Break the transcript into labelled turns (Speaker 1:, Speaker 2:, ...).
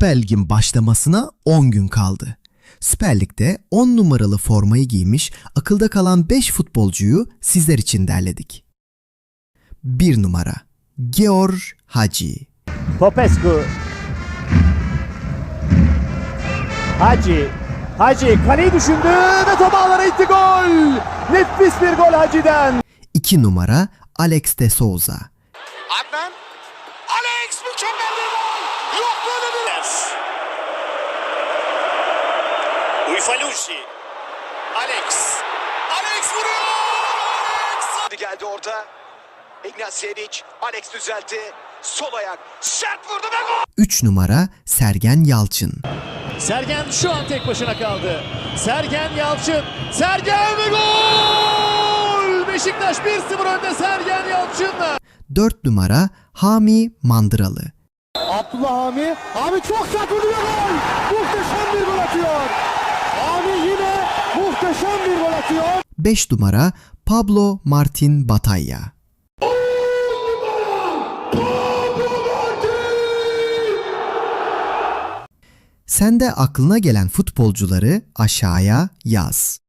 Speaker 1: Süper Lig'in başlamasına 10 gün kaldı. Süper Lig'de 10 numaralı formayı giymiş akılda kalan 5 futbolcuyu sizler için derledik. 1 numara Georg Hagi.
Speaker 2: Popescu. Hagi kaleyi düşündü ve top ağlara itti, gol. Nefis bir gol Hagi'den.
Speaker 1: 2 numara Alex de Souza.
Speaker 3: Adnan. Alex mükemmel bir gol. Yok böyle bir. Uifalucci. Alex vuruyor. Alex. Geldi orada. Ignacievic. Alex düzeltti. Sol ayak. Sert vurdu ve gol.
Speaker 1: 3 numara Sergen Yalçın.
Speaker 2: Sergen şu an tek başına kaldı. Sergen Yalçın. Sergen ve gol. Beşiktaş 1-0 önde Sergen Yalçın'la.
Speaker 1: 4 numara Hami Mandıralı.
Speaker 2: Abdullah Hami çok sert vuruyor, gol. Muhteşem bir gol atıyor. Hami yine muhteşem bir gol atıyor.
Speaker 1: 5 numara Pablo Martin Batalla. Sen de aklına gelen futbolcuları aşağıya yaz.